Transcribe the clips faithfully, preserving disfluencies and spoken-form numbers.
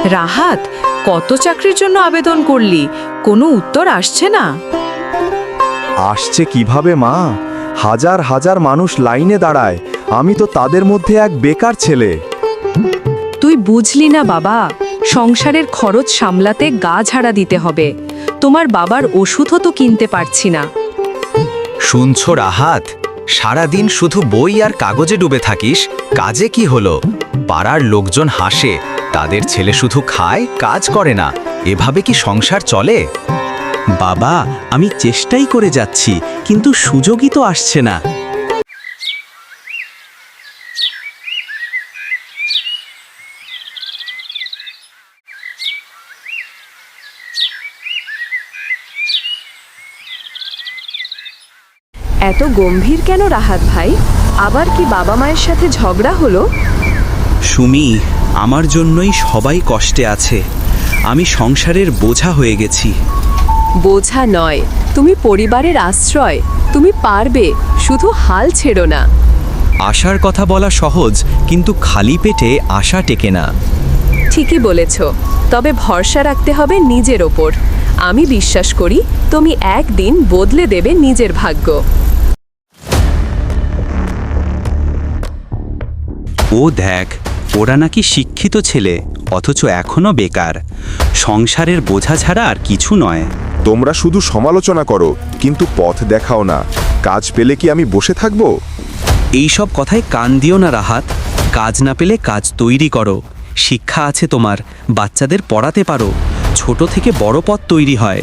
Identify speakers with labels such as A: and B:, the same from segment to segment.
A: রাহাত, কত চাকরির জন্য আবেদন করলি, কোনো উত্তর আসছে না?
B: আসছে কিভাবে মা? হাজার হাজার মানুষ লাইনে দাঁড়ায়, আমি তো তাদের মধ্যে এক বেকার ছেলে।
A: তুই বুঝলি না বাবা, সংসারের খরচ সামলাতে গা ঝাড়া দিতে হবে। তোমার বাবার ওষুধও তো কিনতে পারছি না।
C: শুনছো রাহাত, সারাদিন শুধু বই আর কাগজে ডুবে থাকিস, কাজে কি হলো? পাড়ার লোকজন হাসে, তাদের ছেলে শুধু খায়, কাজ করে না। এভাবে কি সংসার চলে?
D: বাবা, আমি চেষ্টাই করে যাচ্ছি, কিন্তু সুযোগই তো আসছে না।
A: এত গম্ভীর কেন রাহাত ভাই? আবার কি বাবা মায়ের সাথে ঝগড়া হলো?
D: সুমি, আমার জন্যই সবাই কষ্টে আছে। আমি সংসারের বোঝা হয়ে গেছি।
A: বোঝা নয়, তুমি পরিবারের আশ্রয়। তুমি পারবে, শুধু হাল ছেড়ো না।
C: আশার কথা বলা সহজ, কিন্তু খালি পেটে আশা টেকে না।
A: ঠিকই বলেছ, তবে ভরসা রাখতে হবে নিজের ওপর। আমি বিশ্বাস করি তুমি একদিন বদলে দেবে নিজের ভাগ্য।
D: ও দেখ, ওরা নাকি শিক্ষিত ছেলে, অথচ এখনো বেকার। সংসারের বোঝা ছাড়া আর কিছু নয়।
B: তোমরা শুধু সমালোচনা করো, কিন্তু পথ দেখাও না। কাজ পেলে কি আমি বসে থাকবো?
D: এইসব কথায় কান দিও না রাহাত। কাজ না পেলে কাজ তৈরি করো। শিক্ষা আছে তোমার, বাচ্চাদের পড়াতে পারো। ছোট থেকে বড় পথ তৈরি হয়।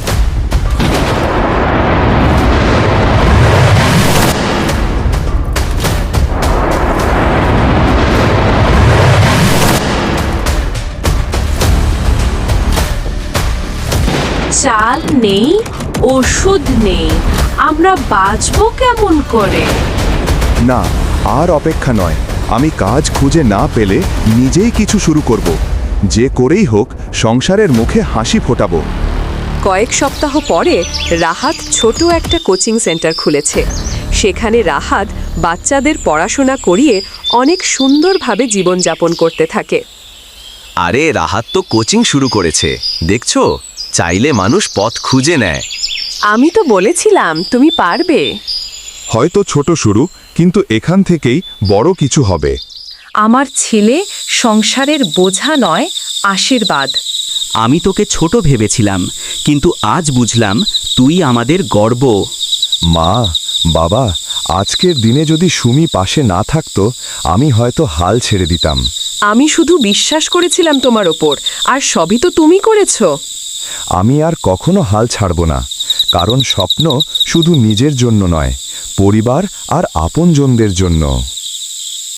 A: চাল নেই, ওষুধ নেই, আমরা বাঁচবো কেমন করে?
B: না, আর অপেক্ষা নয়। আমি কাজ খুঁজে না পেলে নিজেই কিছু শুরু করব। যে করেই হোক সংসারের মুখে হাসি ফোটাবো।
A: কয়েক সপ্তাহ পরে রাহাত ছোট একটা কোচিং সেন্টার খুলেছে। সেখানে রাহাত বাচ্চাদের পড়াশোনা করিয়ে অনেক সুন্দরভাবে জীবনযাপন করতে থাকে।
C: আরে রাহাত তো কোচিং শুরু করেছে, দেখছো? চাইলে মানুষ পথ খুঁজে নেয়।
A: আমি তো বলেছিলাম তুমি পারবে।
B: হয়তো ছোট শুরু, কিন্তু এখান থেকেই বড় কিছু হবে।
A: আমার ছেলে সংসারের বোঝা নয়, আশীর্বাদ।
D: আমি তোকে ছোট ভেবেছিলাম, কিন্তু আজ বুঝলাম তুই আমাদের গর্ব।
B: মা, বাবা, আজকের দিনে যদি সুমি পাশে না থাকতো, আমি হয়তো হাল ছেড়ে দিতাম।
A: আমি শুধু বিশ্বাস করেছিলাম তোমার ওপর, আর সবই তো তুমি করেছো।
B: আমি আর কখনো হাল ছাড়ব না, কারণ স্বপ্ন শুধু নিজের জন্য নয়, পরিবার আর আপনজনদের জন্য।